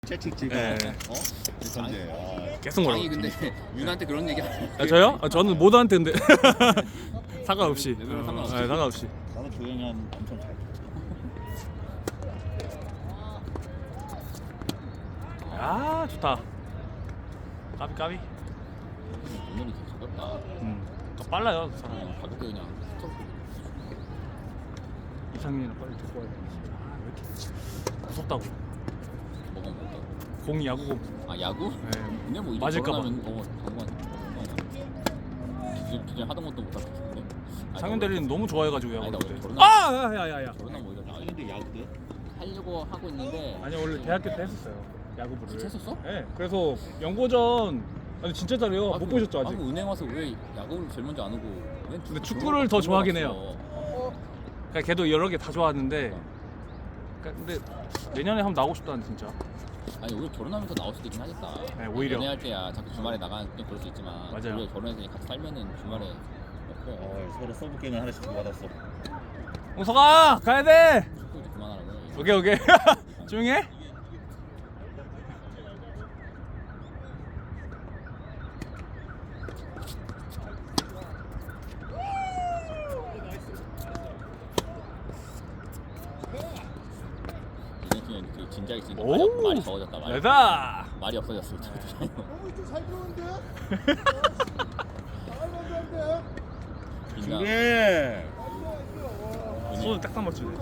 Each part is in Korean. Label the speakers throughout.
Speaker 1: 채찍지가
Speaker 2: 네.
Speaker 1: 전제.
Speaker 2: 계속
Speaker 3: 아니
Speaker 2: 뭐라고.
Speaker 3: 근데 윤한테 그런 얘기 안 해.
Speaker 2: 저요? 저는 모두한테 근데 상관없이.
Speaker 3: 레벨은 상관없이.
Speaker 2: 네, 상관없이.
Speaker 1: 나도 조용히 한 엄청 잘.
Speaker 2: 아 좋다. 까비 까비.
Speaker 3: 오늘이 되게 가볍다.
Speaker 2: 더 빨라요 그 사람.
Speaker 3: 가볍게 그냥 스톱.
Speaker 2: 이상민이랑 빨리 데리고 와야 돼. 아왜 이렇게 무섭다고.
Speaker 3: 뭐가 못다.
Speaker 2: 공이 야구공.
Speaker 3: 아 야구?
Speaker 2: 네.
Speaker 3: 근데 뭐 이제
Speaker 2: 맞을까 봐.
Speaker 3: 당관. 기존 하던 것도 못할 것 같은데.
Speaker 2: 상현 대리는 너무 좋아해가지고
Speaker 3: 아니, 나
Speaker 2: 야구.
Speaker 3: 원래
Speaker 2: 때.
Speaker 3: 결혼하-
Speaker 2: 아 야야야.
Speaker 3: 저런한 뭐 이런
Speaker 1: 아니 근데 야구대?
Speaker 3: 하려고 하고 있는데.
Speaker 2: 아니 원래 대학교 때 했었어요. 야구부를.
Speaker 3: 진짜 했었어?
Speaker 2: 네. 그래서 연고전 아니 진짜 잘해요. 못 보셨죠 아직?
Speaker 3: 은행 와서 왜 야구를 제일 먼저 안 오고? 왜
Speaker 2: 근데 축구를 더 좋아하긴 해요. 그러니까 걔도 여러 개 다 좋아하는데. 그러니까 근데 내년에 한번 나오고 싶다는 진짜.
Speaker 3: 아니 오히려 결혼하면서 나올 수도 있긴 하겠다.
Speaker 2: 네, 오히려.
Speaker 3: 연애할 때야 자꾸 주말에 나가는 좀 그럴 수 있지만.
Speaker 2: 맞아요.
Speaker 3: 오히려 결혼해서 같이 살면은 주말에 넣고
Speaker 1: 서로 서브 게임을 하나씩 받았어.
Speaker 2: 홍석아 가야 돼.
Speaker 3: 축구 이제 그만하라고.
Speaker 2: 오케이 오케이. 조용히 해.
Speaker 3: 이번 팀은 그 진작에 있으니까
Speaker 2: 오!
Speaker 3: 말이 적어졌다.
Speaker 2: 내다.
Speaker 3: 말이 없어졌어.
Speaker 1: 준비.
Speaker 2: 손을 딱딱 맞추네.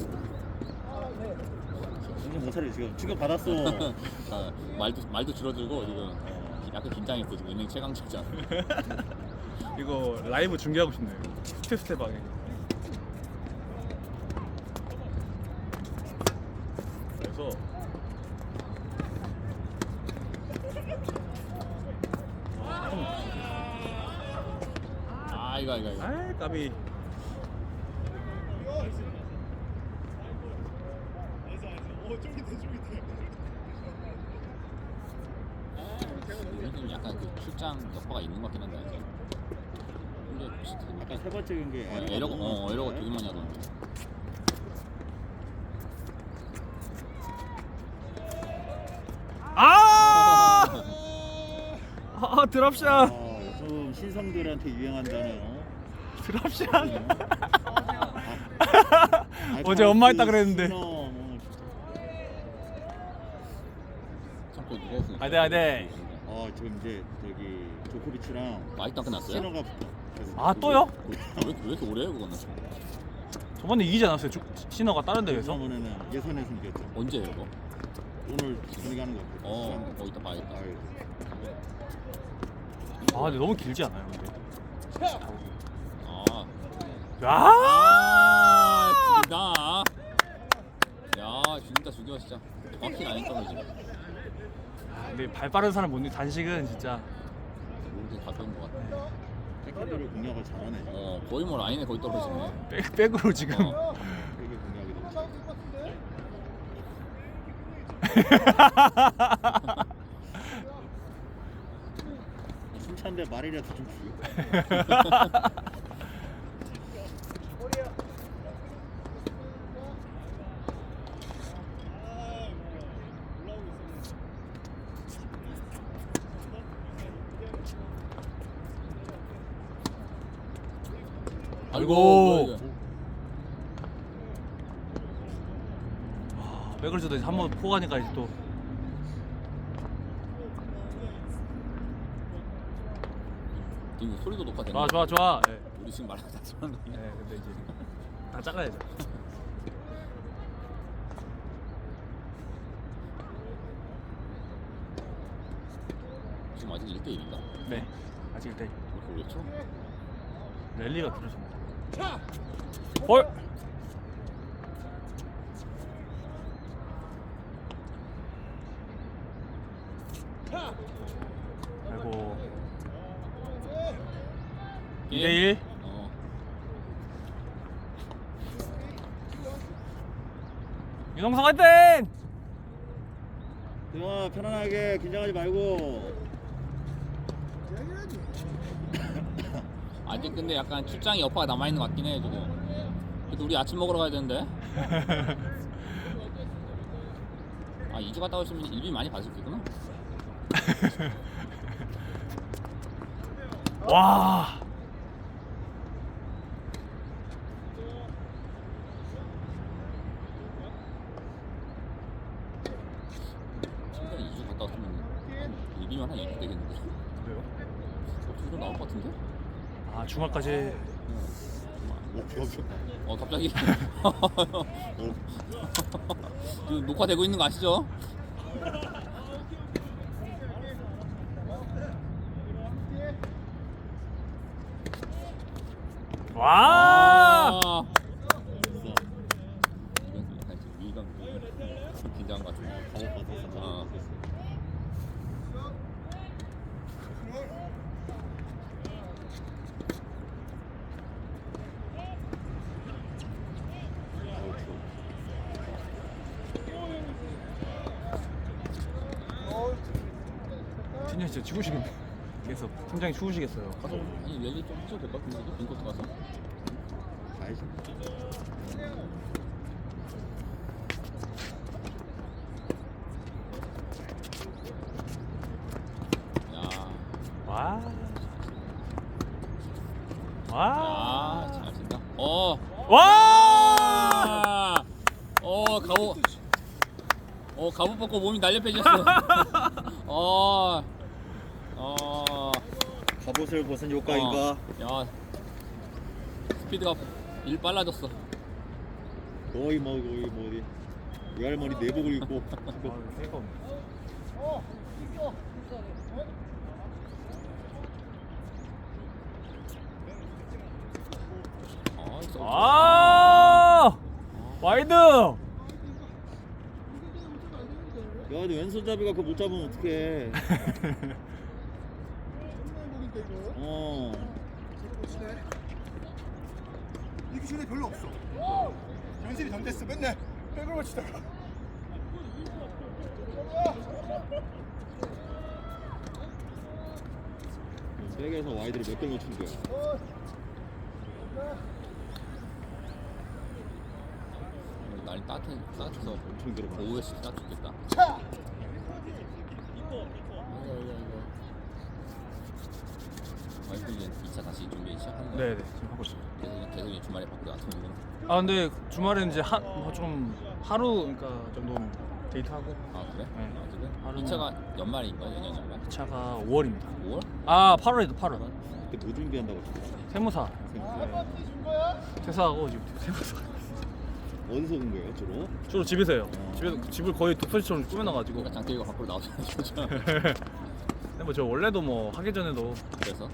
Speaker 1: 정신 못 차려 지금 충격 받았어.
Speaker 3: 말도 줄어들고 지금 약간 긴장했어. 지금 은행 최강자잖아.
Speaker 2: 이거 라이브 중계하고 싶네요. 스텝 방에. 그래서
Speaker 3: 이거.
Speaker 2: 아이 까비.
Speaker 3: 우리 팀 약간 그 출장 여파가 있는 것 같긴 한데 아직. 근데 비슷해.
Speaker 1: 아까 세 번째 경기
Speaker 3: 에러가 되게 많이 하던데.
Speaker 2: 드랍샷.
Speaker 1: 요즘 신성들한테 유행한다는
Speaker 2: 드랍샷.
Speaker 1: 아,
Speaker 2: 어제 엄마 했다 그랬는데.
Speaker 3: 참고 누가 없으니까.
Speaker 2: 아네.
Speaker 1: 지금 이제 저기 조코비치랑
Speaker 3: 아직도 안 끝났어요?
Speaker 1: 시너가 붙어. 그래서
Speaker 2: 아 또요?
Speaker 3: 왜 이렇게 오래 해 그거는?
Speaker 2: 저번에 이기지 않았어요? 신어가 다른 대회에서?
Speaker 1: 저번에는 예선에서 이겼죠.
Speaker 3: 언제예요 이거?
Speaker 1: 오늘 분위기하는 거 같아요.
Speaker 3: 이따 봐야겠다.
Speaker 2: 아 근데 너무 길지 않아요? 근데.
Speaker 3: 죽인다. 야 죽여 진짜. 정확히 라인 떨어지.
Speaker 2: 근데 발 빠른 사람 못 이겨. 단식은 진짜.
Speaker 3: 모르게 가벼운 것 같아.
Speaker 1: 태클들을 공략을 잘하네.
Speaker 3: 거의 뭐 라인에 거의 떨어지네.
Speaker 2: 백으로 지금.
Speaker 1: 되게 공략이 너무 잘. 숨찬데 말이라도 좀 줄여.
Speaker 2: 아이고. 백을 줘도 한번 포가니까 이제 또.
Speaker 3: 이거 소리도 높아졌네.
Speaker 2: 좋아. 네.
Speaker 3: 우리 지금 말하고 다 지만 거네.
Speaker 2: 네, 근데 이제 다 잘라야죠.
Speaker 3: 지금 아직 1대1인가?
Speaker 2: 네. 아직 일단
Speaker 3: 이렇게 오랬죠?
Speaker 2: 랠리가 길어집니다. 볼. 아이고. 2대1. 윤홍석 화이팅!
Speaker 1: 대화 편안하게 긴장하지 말고.
Speaker 3: 아직 근데 약간 출장이 여파가 남아있는 것 같긴 해 지금. 그래도 우리 아침 먹으러 가야 되는데. 아 2주 갔다 오시면 일비 많이 받으셨겠구나.
Speaker 2: 와.
Speaker 3: 진짜 2주 갔다 왔으면 일비만 한 2주 되겠는데.
Speaker 2: 그래요?
Speaker 3: 좀 나올 것 같은데?
Speaker 2: 아 주말까지.
Speaker 3: 갑자기 지금 녹화되고 있는 거 아시죠?
Speaker 2: 와.
Speaker 3: 이건 약간 지금 위기감 긴장한 것 같은데.
Speaker 2: 팀장님 진짜 죽으시겠네. 계속 팀장이 죽으시겠어요.
Speaker 3: 가서 아니 랠리 좀 해줘도 될 것 같은데 빈코트 가서.
Speaker 1: 가야지.
Speaker 3: 야,
Speaker 2: 와. 와.
Speaker 3: 잘 친다.
Speaker 2: 와.
Speaker 3: 갑옷 벗고 몸이 날렵해졌어.
Speaker 1: 갑옷을 벗은 효과인가?
Speaker 3: 야, 스피드가 일 빨라졌어.
Speaker 1: 거의 뭐 어디 외할머니 내복을 입고
Speaker 2: 아. 와이드.
Speaker 1: 야, 근데 왼손잡이가 그거 못 잡으면 어떡해.
Speaker 4: 이기 전에 별로 없어. 연습이 전 됐어. 맨날 백으로 치다가.
Speaker 1: 백에서 와이드를 몇 개 놓친 거야.
Speaker 3: 날이 따뜻해서
Speaker 1: 엄청 들어가.
Speaker 3: 오후에 딱 좋겠다. 와이프 이제 2차 다시 준비 시작하는 거야?
Speaker 2: 네네 지금 하고 있어요.
Speaker 3: 계속 이제 주말에 바꾸고 아침에
Speaker 2: 아 근데 주말에는 이제 좀 하루 그러니까 정도는 데이트하고
Speaker 3: 아 그래?
Speaker 2: 네.
Speaker 3: 아 그래?
Speaker 2: 하루는-
Speaker 3: 2차가 연말인가 연년 연말?
Speaker 2: 차가 5월입니다.
Speaker 3: 5월?
Speaker 2: 아 8월에도 8월.
Speaker 1: 그때 뭐 준비한다고 했어?
Speaker 2: 세무사 퇴사하고 지금 세무사.
Speaker 1: 어디서 온 거예요, 주로?
Speaker 2: 주로 집에서요. 집에서 집을 거의 독서실처럼 꾸며놔가지고.
Speaker 3: 그러니까 장태기가 밖으로 나오잖아.
Speaker 2: 근데 뭐 저 원래도 뭐 하기 전에도
Speaker 3: 그래서?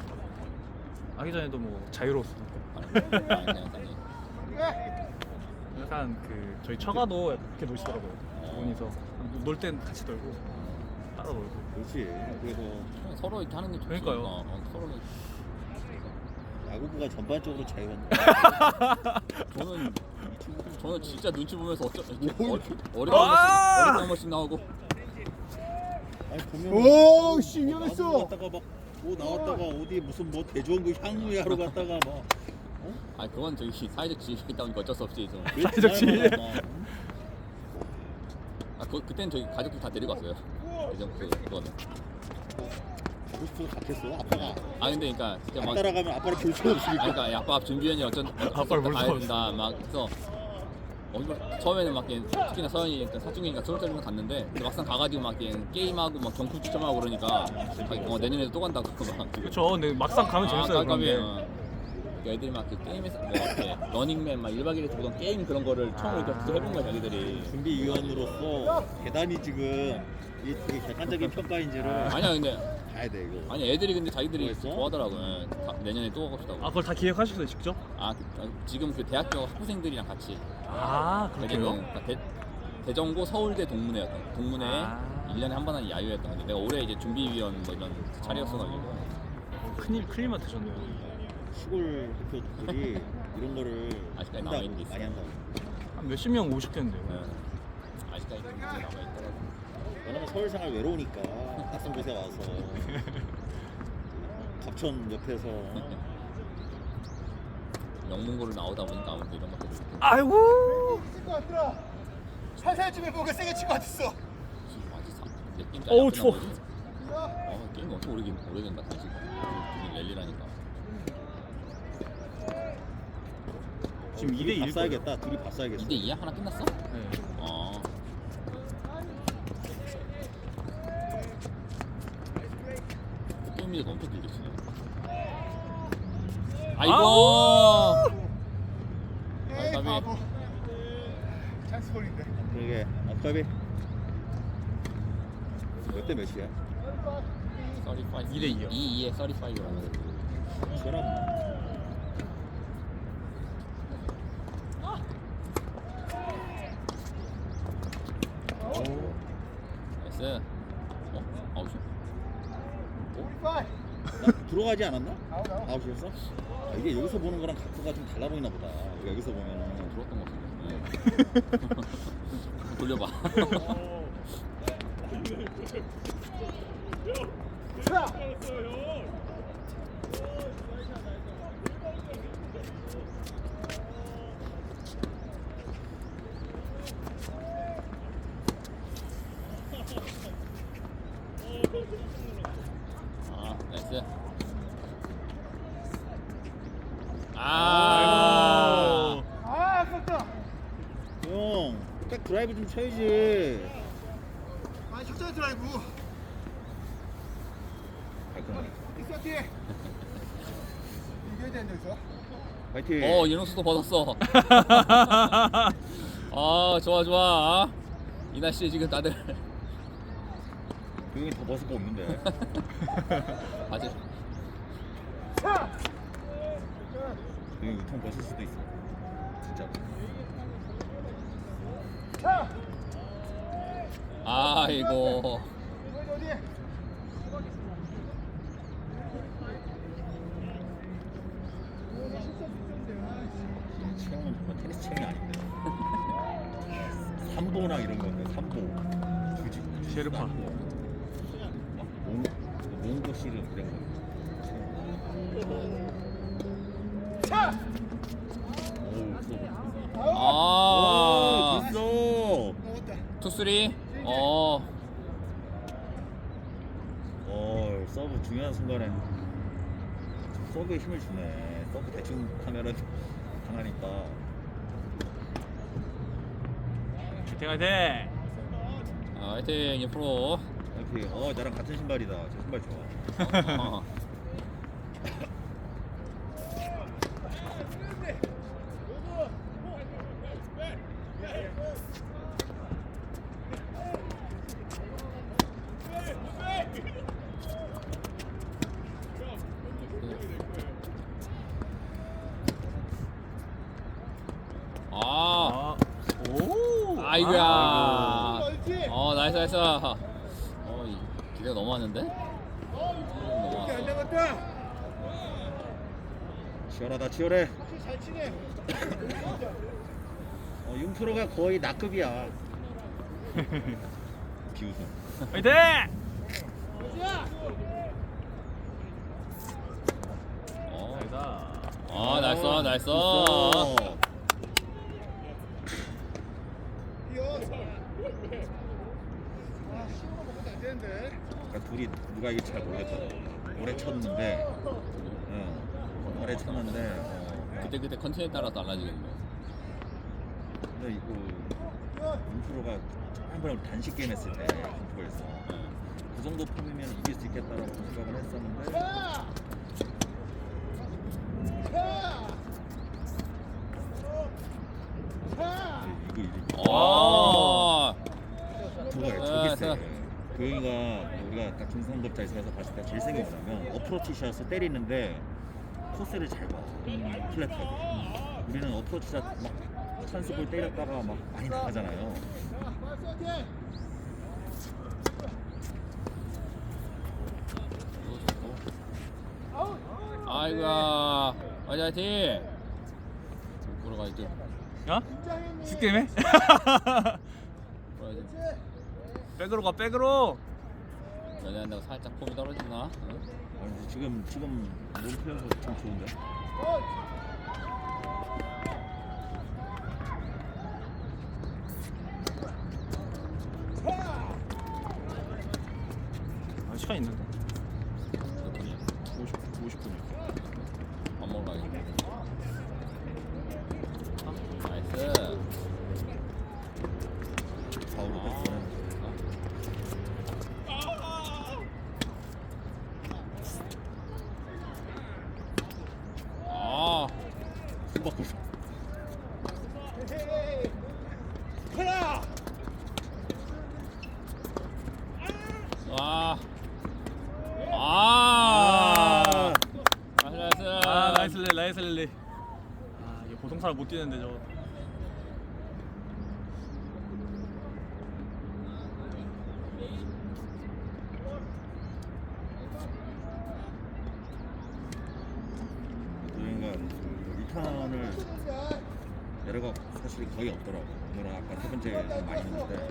Speaker 2: 뭐 자유로웠어.
Speaker 3: 그냥
Speaker 2: 약간 그 저희 처가도 약간 그렇게 노시더라고요. 부모님서 놀 땐 같이 놀고 따로 놀고.
Speaker 1: 그렇지. 그래서
Speaker 3: 서로 이렇게 하는 게 좋지.
Speaker 2: 그러니까요.
Speaker 3: 서로
Speaker 1: 야구부가 전반적으로 자유한데.
Speaker 3: 저는 진짜 눈치 보면서 어린
Speaker 2: 아!
Speaker 3: 한 번씩 나오고.
Speaker 1: 아니 보면
Speaker 4: 오, 씨, 위험했어.
Speaker 1: 갔다가 막 뭐 나왔다가 어디 무슨 뭐 대조원구 향유 하러 갔다가 막
Speaker 3: 아니 그건 저기 사회적 지위가 있다 보니까 어쩔 수 없지 좀.
Speaker 2: 사회적 지위.
Speaker 3: 그때는 저희 가족들 다 데리고 왔어요. 예전 그거는.
Speaker 1: 가고 싶어서 갔겠어 아빠가.
Speaker 3: 아 근데 그러니까 진짜
Speaker 1: 안
Speaker 3: 막
Speaker 1: 따라가면 아빠를 볼 수가 없으니까.
Speaker 3: 그러니까 아빠 준비원이
Speaker 2: 아빠를 볼
Speaker 3: 가야
Speaker 2: 수가
Speaker 3: 된다 막 그래서 처음에는 막 특히나 서현이 사춘기니까 졸업자리만 갔는데 근데 막상 가가지고 막 게임하고 막 경품 추첨하고 그러니까 내년에도 또 간다고 막
Speaker 2: 그렇죠. 근데 막상 가면 재밌어요. 그런 게.
Speaker 3: 그러니까 애들이 막 그 게임에서 뭐 이렇게 러닝맨 막 1박 2일에서 보던 게임 그런 거를 처음으로 이렇게 해본 거야 자기들이.
Speaker 1: 준비위원으로서 대단히 지금 이 되게 객관적인 평가인지를
Speaker 3: 아니야 근데
Speaker 1: 봐야 돼 이거.
Speaker 3: 아니 애들이 근데 자기들이
Speaker 1: 뭐였어?
Speaker 3: 좋아하더라고요. 내년에 또 가고 싶다고.
Speaker 2: 아 그걸 다 기획하셨어요 직접?
Speaker 3: 지금 그 대학교 학부생들이랑 같이
Speaker 2: 아 그렇게요?
Speaker 3: 그러니까 대전고 서울대 동문회에
Speaker 2: 아.
Speaker 3: 1년에 한 번 하는 야유였던 건데 내가 올해 이제 준비위원 뭐 이런 자리였어가지고
Speaker 2: 큰일만 드셨네요.
Speaker 1: 시골 대표들이 이런 거를
Speaker 3: 아직까지
Speaker 1: 한다고,
Speaker 3: 남아있는 게 있어요.
Speaker 1: 많이 한다고.
Speaker 2: 한 몇십 명 오셨겠는데요.
Speaker 3: 네. 아직까지 좀 문제 남아있더라고.
Speaker 1: 왜냐면 서울 생활 외로우니까 낯선 곳에 와서 갑천 옆에서
Speaker 3: 영문고를 나오다 보니까 아무래도 이런 것들이 있고.
Speaker 2: 아이고.
Speaker 4: 것 같더라. 살살쯤에 뭔가 세게 친 것 같았어.
Speaker 3: 게임
Speaker 2: 어우, 추워.
Speaker 3: 게임 엄청 오래된다. 당신 랠리라니까.
Speaker 2: 지금 2대 1.
Speaker 1: 봤어야겠다. 둘이 봤어야겠어.
Speaker 3: 2대 2야? 하나 끝났어?
Speaker 2: 네.
Speaker 3: 어. 게임이 엄청 길게 치네. 아이고.
Speaker 4: 에이
Speaker 3: 까비.
Speaker 4: 바보. 찬스 볼인데.
Speaker 1: 그러게. 아까비. 몇 대 몇이야?
Speaker 3: 35.
Speaker 2: 2대 2요.
Speaker 3: 2에 35라는.
Speaker 1: 시원하구나.
Speaker 3: 나이스. 아웃이야?
Speaker 1: 나 들어가지 않았나?
Speaker 4: 아웃.
Speaker 1: 아웃이었어? 아, 이게 여기서 보는 거랑 각도가 좀 달라 보이나 보다. 여기서 보면은
Speaker 3: 들어왔던 것 같은데. 돌려봐. 나이스.
Speaker 2: 아이고.
Speaker 4: 아깝다.
Speaker 1: 형, 백 드라이브 좀 쳐야지.
Speaker 4: 아 적절 드라이브.
Speaker 1: 발끈하게.
Speaker 4: 있어 뒤에. 이겨야 되는데 여기서.
Speaker 1: 파이팅.
Speaker 3: 이영수도 벗었어. 좋아. 이 날씨에 지금 다들
Speaker 1: 그 형이 더 벗을 거 없는데.
Speaker 3: 바지.
Speaker 1: 그 형이 우통 벗을 수도 있어. 진짜.
Speaker 3: 아이고.
Speaker 4: 어디?
Speaker 1: 체형은 정말 테니스 체형이 아닌데. 삼보나 이런 건데, 삼보. 굳이.
Speaker 2: 셰르파.
Speaker 1: 몽고 씨름 이런 거. 오, 됐어.
Speaker 4: 먹었다.
Speaker 3: 투쓰리.
Speaker 1: 서브 중요한 순간에 서브에 힘을 주네. 서브 대충 하면은 당하니까.
Speaker 2: 화이팅.
Speaker 3: 화이팅 옆으로.
Speaker 1: 이렇게 나랑 같은 신발이다. 저 신발 좋아.
Speaker 2: 오.
Speaker 3: 아이고야.
Speaker 4: 멀지?
Speaker 3: 나이스. 기대가 너무 많은데?
Speaker 4: 이렇게 안 나갔다.
Speaker 1: 치열하다, 치열해.
Speaker 4: 확실히 잘 치네.
Speaker 1: 융프로가 거의 나급이야. 비웃음.
Speaker 2: 화이팅. 나이다.
Speaker 3: 나이스.
Speaker 4: 이어. 시우로 먹어도 안 되는데.
Speaker 1: 그러니까 둘이 누가 이길지 잘 모르겠다. 오래 쳤는데, 오래 쳤는데,
Speaker 3: 그때 컨텐츠에 따라 달라지겠네.
Speaker 1: 근데 이거 융프로가 한 번 단식 게임 했을 때 융프로에서 그 정도 폼이면 이길 수 있겠다라고 생각을 했었는데. 이거 저기 세. 그 형이가 우리가 딱 중상급자에서 봤을 때 제일 세게 뭐냐면 어프로치 샷을 때리는데 코스를 잘 봐. 플랫하게. 우리는 어프로치 샷막 찬스볼 때렸다가 막 많이 나가잖아요.
Speaker 3: 아이고야. 화이팅. 보러 가야지.
Speaker 2: 야? 스게임해?
Speaker 3: 보러야지.
Speaker 2: 백으로 가. 백으로.
Speaker 3: 연애한다고 살짝 폼이 떨어지나?
Speaker 1: 지금 몸 표현도 참 좋은데.
Speaker 2: 시간 있는데.
Speaker 3: 몇 분이야?
Speaker 2: 50분이요.
Speaker 3: 밥 먹으러 가야겠네. 나이스.
Speaker 1: 4, 5로 뺐어.
Speaker 3: 아,
Speaker 1: 손 바꿔.
Speaker 3: 와. 아. 나이스.
Speaker 2: 아 나이스 릴레이 나이스 릴레이. 아 이게 보통 사람 못 뛰는데 저거.
Speaker 1: 그러니까 리턴을 내려가 사실 거의 없더라고. 오늘은 아까 세 번째 좀 많이 했는데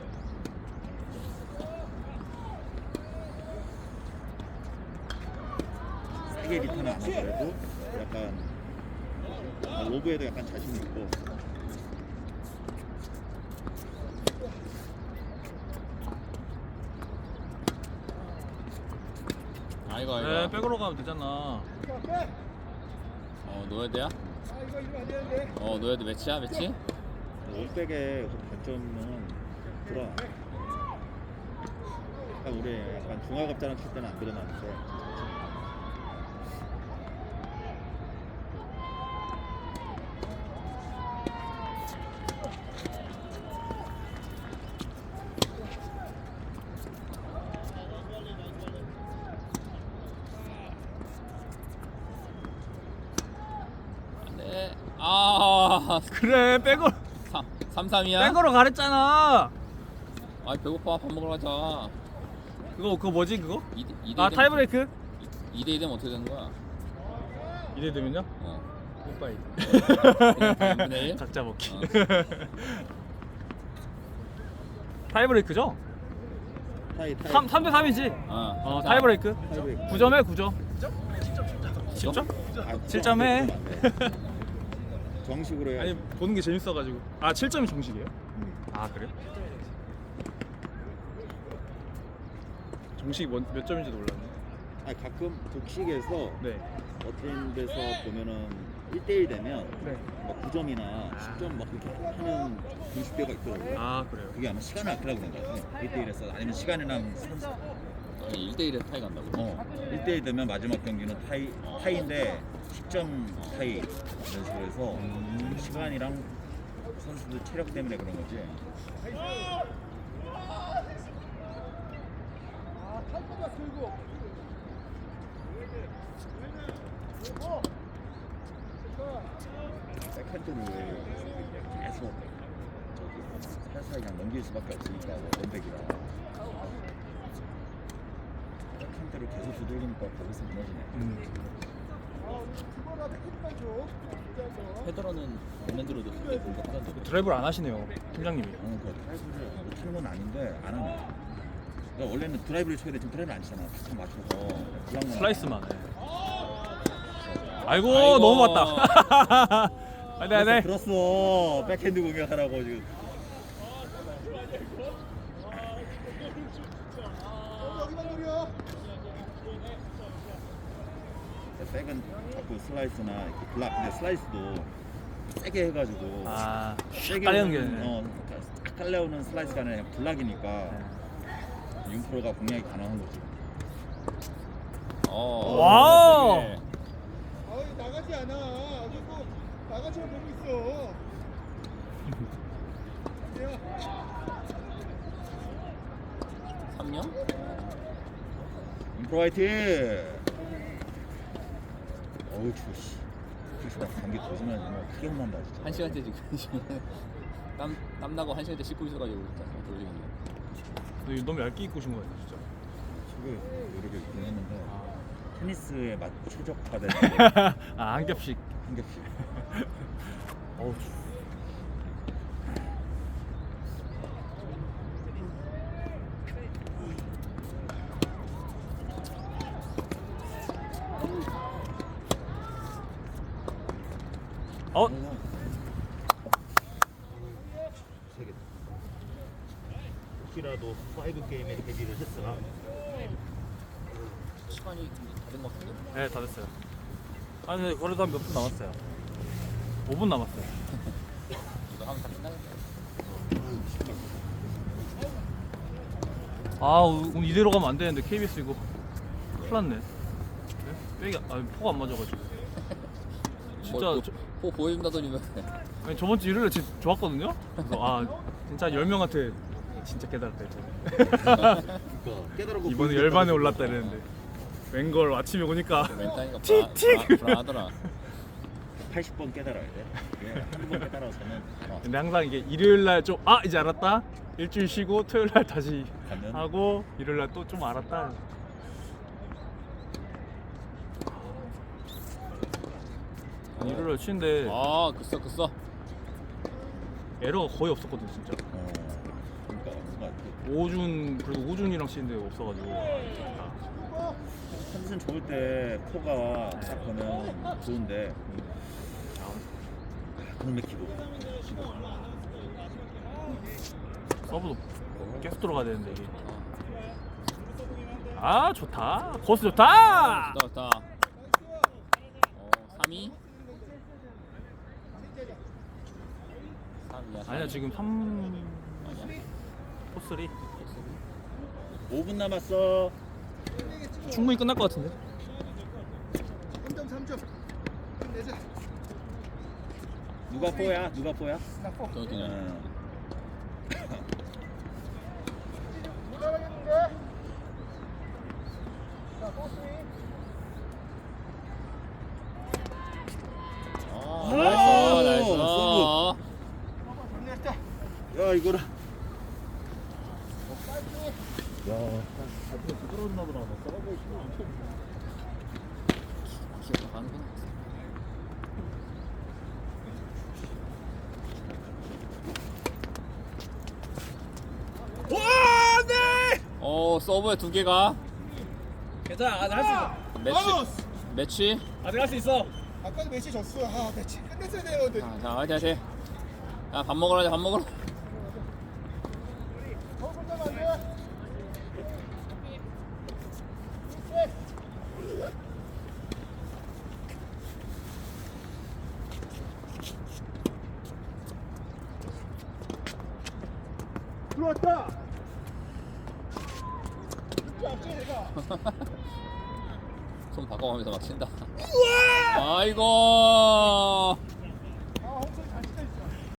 Speaker 1: 세게 리턴을 안 하더라도 약간 로브에도 약간 자신 있고.
Speaker 3: 아이고 아이고.
Speaker 2: 네 백으로 가면 되잖아.
Speaker 3: 노예드야
Speaker 4: 아 이거 이러면 안 되는데.
Speaker 3: 노예드 매치야 매치?
Speaker 1: 올백의 단점은 그런 약간 우리 약간 중화급자랑 칠 때는 안 드러나는데
Speaker 3: 네. 아,
Speaker 2: 그래 백으로
Speaker 3: 3-3이야?
Speaker 2: 백으로 가랬잖아.
Speaker 3: 아, 배고파. 밥 먹으러 가자.
Speaker 2: 그거 뭐지 그거?
Speaker 3: 2대
Speaker 2: 아 타이브레이크?
Speaker 3: 2대2 되면 어떻게 되는 거야?
Speaker 2: 이래 되면요?
Speaker 3: 어.
Speaker 2: 굿바이.
Speaker 3: 그냥 1?
Speaker 2: 각자 먹기.
Speaker 3: 어.
Speaker 2: 타이브레이크죠?
Speaker 1: 타이
Speaker 2: 3대 3이지.
Speaker 3: 어.
Speaker 2: 타이브레이크.
Speaker 1: 타이브레이크.
Speaker 2: 9점에 9점. 10점?
Speaker 1: 아,
Speaker 2: 7점 해.
Speaker 1: 정식으로 해야
Speaker 2: 아니 보는 게 재밌어가지고. 아 7점이 정식이에요? 아 그래? 정식이 몇 점인지도 몰랐네.
Speaker 1: 아니 가끔 독식에서
Speaker 2: 네.
Speaker 1: 어떤 데서 보면은 1대1 되면
Speaker 2: 네.
Speaker 1: 뭐 9점이나 10점 막 그렇게 하는 공식대가 있더라고요.
Speaker 2: 아 그래요.
Speaker 1: 그게 아마 시간을 아끼라고 그런 거 같아요. 1대1에서 아니면 시간이나 선수.
Speaker 3: 아니, 1대1에 타이 간다고.
Speaker 1: 1대1 되면 마지막 경기는 타이인데 10점 타이 이런 식으로 해서 시간이랑 선수들 체력 때문에 그런 거지.
Speaker 4: 탈거다 들고.
Speaker 1: 백핸드를 계속 저기 살살 그냥 넘길 수밖에 없으니까 원백이라 백핸드를 계속 두들기니까 거기서 무너지네.
Speaker 4: 그거라 백hit만 줘.
Speaker 3: 페더러는 원핸드로도 그때 공격하던데.
Speaker 2: 드라이브를 안 하시네요 팀장님이.
Speaker 1: 그 드라이브를 못하는 건 아닌데 안 하네. 그러니까 원래는 드라이브를 쳐야 돼. 지금 드라이브를 안 치잖아. 탁 맞춰서 블락만
Speaker 2: 슬라이스만 해. 아이고,
Speaker 3: 아이고.
Speaker 2: 너무 맞다. 네.
Speaker 1: 들었어. 백핸드 공격하라고 지금.
Speaker 4: 여기만 노려.
Speaker 1: 백은 자꾸 슬라이스나 이렇게 블락. 근데 슬라이스도 세게 해가지고
Speaker 2: 아,
Speaker 1: 세게
Speaker 2: 깔려는
Speaker 1: 오는,
Speaker 2: 게.
Speaker 1: 딱 깔려오는 슬라이스가 아니라 그냥 블락이니까 윤프로가 공략이 가능한 거지.
Speaker 2: 와우.
Speaker 3: 되게
Speaker 4: 아이 나가지 않아. 아직도 나가지만 보고 있어. 야.
Speaker 3: 3년?
Speaker 1: 윤프로 화이팅! 어우 추워 씨. 그래서 나 감기 거짓말 정말 크게 혼난다 진짜.
Speaker 3: 1시간째 지금 땀 나고 1시간째 씻고 있어가지고 진짜 돌리겠네.
Speaker 2: 너무 얇게 입고 오신 거예요, 진짜.
Speaker 1: 최고의 노력을 있긴 했는데 테니스에 맞 최적화된
Speaker 2: 아, 한 겹씩.
Speaker 1: 한 겹씩.
Speaker 2: 어우. 어?
Speaker 1: 세 개. 혹시라도 5 게임에 데뷔를 했으나
Speaker 3: 시간이 다된 것 같은데.
Speaker 2: 네, 다 됐어요. 아니, 근데 그래도 한 몇 분 남았어요. 5분 남았어요.
Speaker 3: 이거 하면 다 끝나겠네.
Speaker 2: 아, 오늘 이대로 가면 안 되는데 KBS 이거 큰일 났네. 네? 빼기 포가 안 맞아가지고. 진짜
Speaker 3: 포 보여준다더니 왜?
Speaker 2: 아니, 저번 주 일요일에 진짜 좋았거든요. 그래서 진짜 10명한테 진짜 깨달았다 했잖아.
Speaker 1: 그러니까 깨달았고
Speaker 2: 이번에 열반에 올랐다 이랬는데 웬걸 아침에 오니까
Speaker 3: 멘탈이가
Speaker 2: 틱틱!
Speaker 3: 불안하더라.
Speaker 1: 80번 깨달아야 돼. 예, 한두 번 깨달아서는 알아.
Speaker 2: 근데 항상 이게 일요일 날 좀 이제 알았다. 일주일 쉬고 토요일 날 다시
Speaker 1: 가면?
Speaker 2: 하고 일요일 날 또 좀 알았다. 일요일 날 쉬는데
Speaker 3: 아, 그써.
Speaker 2: 에러가 거의 없었거든 진짜.
Speaker 1: 그러니까 뭔가
Speaker 2: 오준 그래도 오준이랑 쉬는데 없어가지고.
Speaker 1: 컨디션 좋을 때 포가 딱 보면 좋은데 그놈의 기복.
Speaker 2: 서브도 계속 들어가야 되는데 이게. 좋다. 코스 좋다.
Speaker 3: 좋다. 3위? 3위야.
Speaker 2: 아니야 지금 3
Speaker 3: 아니야.
Speaker 2: 코스리
Speaker 1: 5분 남았어.
Speaker 2: 충분히 끝날 것 같은데.
Speaker 4: 3점 내자.
Speaker 1: 누가 포야? 누가 포야?
Speaker 4: 나 포.
Speaker 3: 정혁이냐?
Speaker 4: 올라가겠는데? 자, 포스윙.
Speaker 3: 나이스.
Speaker 4: 정리했다.
Speaker 1: 야 이거라. 야, 앞에 부끄러웠나 보다. 싸우고 있어.
Speaker 3: 기억나가는구나.
Speaker 2: 와, 네.
Speaker 3: 서브에 2개가
Speaker 2: 괜찮아. 아직 할 수 있어.
Speaker 3: 매치.
Speaker 2: 아직 할 수 있어.
Speaker 4: 아까도 매치 졌어. 매치 끝냈어야 되는데.
Speaker 3: 자, 화이팅. 야, 밥 먹으러.
Speaker 4: 더 끝나면 안 돼. 들어왔다. 진짜 앞서 내가.
Speaker 3: 손 바꿔가면서 막 친다. 아이고.